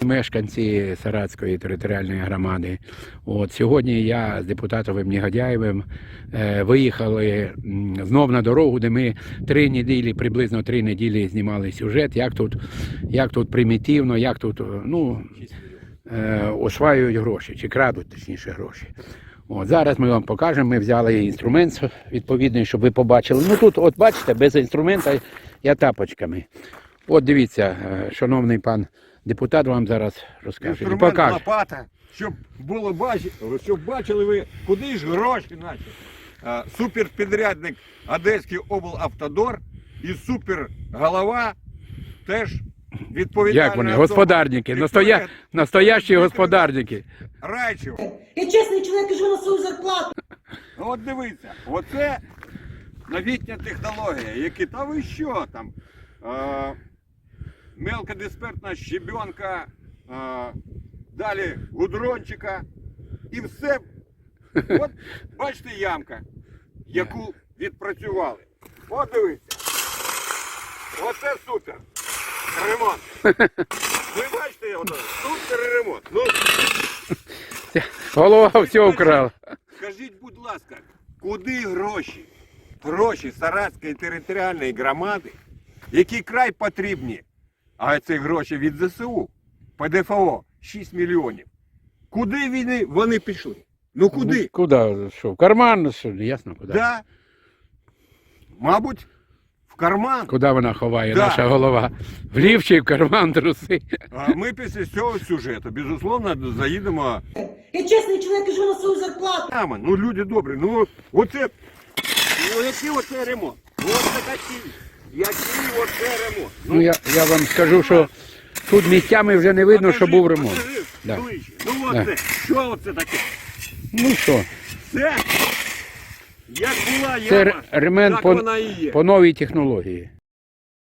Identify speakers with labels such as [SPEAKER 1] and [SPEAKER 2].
[SPEAKER 1] мешканці Саратської територіальної громади. От, сьогодні я з депутатом Негодяєвим виїхали знов на дорогу, де ми приблизно 3 неділі знімали сюжет, як тут примітивно, як тут осваюють гроші, чи крадуть, точніше, гроші. От, зараз ми вам покажемо, ми взяли інструмент відповідний, щоб ви побачили. Ну тут, от бачите, без інструмента я тапочками. От дивіться, шановний пан депутат вам зараз розкаже.
[SPEAKER 2] Інструмент лопата, щоб було щоб бачили ви, куди ж гроші наші. Суперпідрядник Одеський облавтодор і суперголова теж відповідальна.
[SPEAKER 1] Як вони? Господарники, настоящі господарники.
[SPEAKER 2] Райчев.
[SPEAKER 3] Я чесний чоловік, живу на свою зарплату.
[SPEAKER 2] От дивіться, оце новітня технологія, які, та ви що там, мелкодиспертна щебенка, далі гудрончика і все. От бачите ямка, яку відпрацювали. От дивіться. Оце супер ремонт. Ви бачите його? Супер ремонт. Ну,
[SPEAKER 1] голова все вкрала.
[SPEAKER 2] скажіть, будь ласка, куди гроші? Гроші Саратської територіальної громади, які край потрібні, а ці гроші від ЗСУ, ПДФО, 6 мільйонів. Куди вони пішли? Ну куди?
[SPEAKER 1] Ну, куди? Що? В карман? Що? Ясно, куди?
[SPEAKER 2] Да. Мабуть, в карман.
[SPEAKER 1] Куди вона ховає,
[SPEAKER 2] Да.
[SPEAKER 1] наша голова? В лів чи в карман труси?
[SPEAKER 2] А ми після цього сюжету, безусловно, заїдемо.
[SPEAKER 3] Я чесний чоловік, живу на свою зарплату.
[SPEAKER 2] Ну люди добрі, ну оце, ну який оце ремонт? Оце такий, який оце ремонт?
[SPEAKER 1] Ну я вам скажу, що тут місцями вже не видно, що був ремонт.
[SPEAKER 2] Покажи,
[SPEAKER 1] Да.
[SPEAKER 2] ближче. Ну оце, що оце таке?
[SPEAKER 1] Ну що,
[SPEAKER 2] Це, як була
[SPEAKER 1] це
[SPEAKER 2] яма,
[SPEAKER 1] ремонт
[SPEAKER 2] так вона і є.
[SPEAKER 1] по новій технології.